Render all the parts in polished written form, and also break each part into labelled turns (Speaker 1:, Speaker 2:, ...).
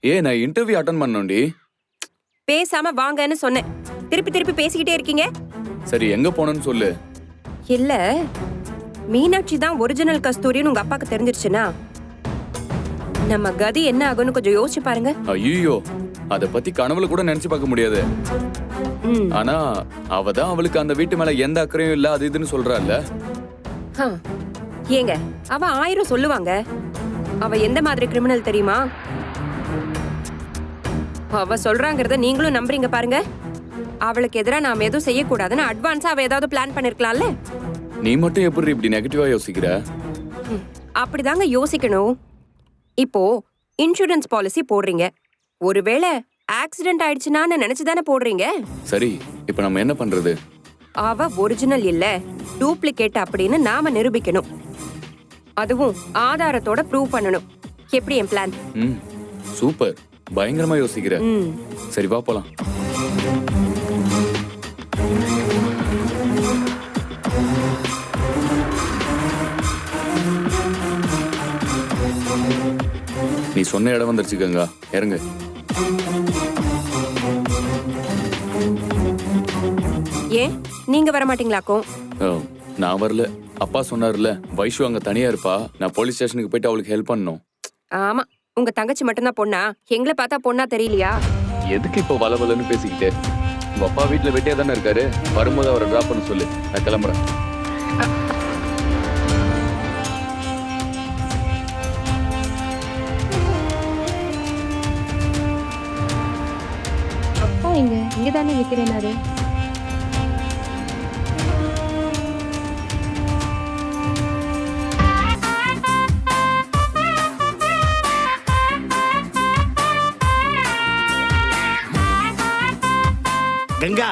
Speaker 1: நான் interview attend பண்ணணும்டி.
Speaker 2: பேசாம வாங்கன்னு சொன்னேன், திருப்பி திருப்பி பேசிக்கிட்டே இருக்கீங்க.
Speaker 1: சரி எங்க போனன்னு சொல்லு.
Speaker 2: இல்ல, மீனாட்சி தான் ஒரிஜினல் கஸ்தூரின்னு உங்க அப்பாக்கு தெரிஞ்சிருச்சுன்னா நம்ம கதி என்ன ஆகும்னு கொஞ்சம் யோசிச்சு பாருங்க.
Speaker 1: ஐயோ, அத பத்தி கனவுல கூட நினைச்சு பார்க்க முடியாது. ஆனா அவதான் அவளுக்கு அந்த வீட்டு மேல எந்த அக்கறையும் இல்ல அது இதுன்னு சொல்றாள்ல.
Speaker 2: ஏங்க, அவ 1000 சொல்லுவாங்க. அவ எந்த மாதிரி கிரிமினல் தெரியுமா? அவ சொல்றாங்கறத நீங்களும் நம்புறீங்க பாருங்க. அவளுக்கு எதிரா நாம எதுவும் செய்யக்கூடாதுன்னு அட்வான்ஸா அவ ஏதாவது பிளான் பண்ணிருக்கலாம்ல.
Speaker 1: நீ மட்டும் எப்படி இப்படி நெகட்டிவா யோசிக்கிற?
Speaker 2: அப்படிதாங்க யோசிக்கணும். இப்போ இன்சூரன்ஸ் பாலிசி போடுறீங்க, ஒருவேளை ஆக்சிடென்ட் ஆயிடுச்சுனான்னு நினைச்சுதானே போடுறீங்க.
Speaker 1: சரி, இப்ப நம்ம என்ன பண்றது?
Speaker 2: அவ ஒரிஜினல் இல்ல, டூப்ளிகேட் அப்படின்னு நாம நிரூபிக்கணும். அதுவும் ஆதாரத்தோட ப்ரூவ் பண்ணணும். எப்படி என் பிளான்?
Speaker 1: சூப்பர், பயங்கரமா யோசிக்கிற. சரி வா போலாம். நீ சொன்ன இடம் வந்துருச்சு கங்கா, இறங்கு.
Speaker 2: ஏன் நீங்க வர மாட்டீங்களாக்கும்?
Speaker 1: நான் வரல, அப்பா சொன்னார்ல வைஷு அங்க தனியா இருப்பா, நான் போலீஸ் ஸ்டேஷனுக்கு போயிட்டு அவளுக்கு ஹெல்ப் பண்ணணும்.
Speaker 2: ஆமா, உங்க தங்கச்சி மட்டும்தான் பொண்ணா? எங்களை பார்த்தா பொண்ணா தெரியலையா?
Speaker 1: எதுக்கு இப்போ வளவலன்னு பேசிக்கிட்டு? உங்க அப்பா வீட்டுல வெட்டியா தானே இருக்காரு, வரும்போது அவரை டிராப் பண்ண சொல்லு, நான் கிளம்புறேன்.
Speaker 3: அப்பா இங்க தானே நிக்கிறேனாரு.
Speaker 4: கங்கா,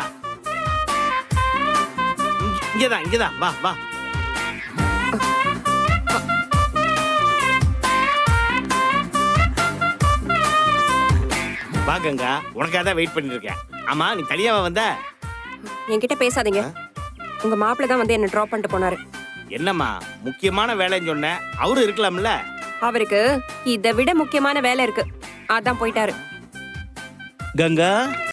Speaker 4: இங்கதான் வா வா. வா கங்கா, உனக்காக தான் வெயிட் பண்ணிட்டு இருக்கேன். ஆமா, நீ தனியாவா வந்த?
Speaker 2: என்கிட்ட பேசாதீங்க. உங்க மாப்பிள்ள தான் வந்து என்ன டிராப் பண்ணிட்டு போனாரு.
Speaker 4: என்னம்மா முக்கியமான வேலைன்னு சொன்ன, அவரு இருக்கலாம்ல.
Speaker 2: அவருக்கு இதை விட முக்கியமான வேலை இருக்கு, அதான் போயிட்டாரு.
Speaker 4: கங்கா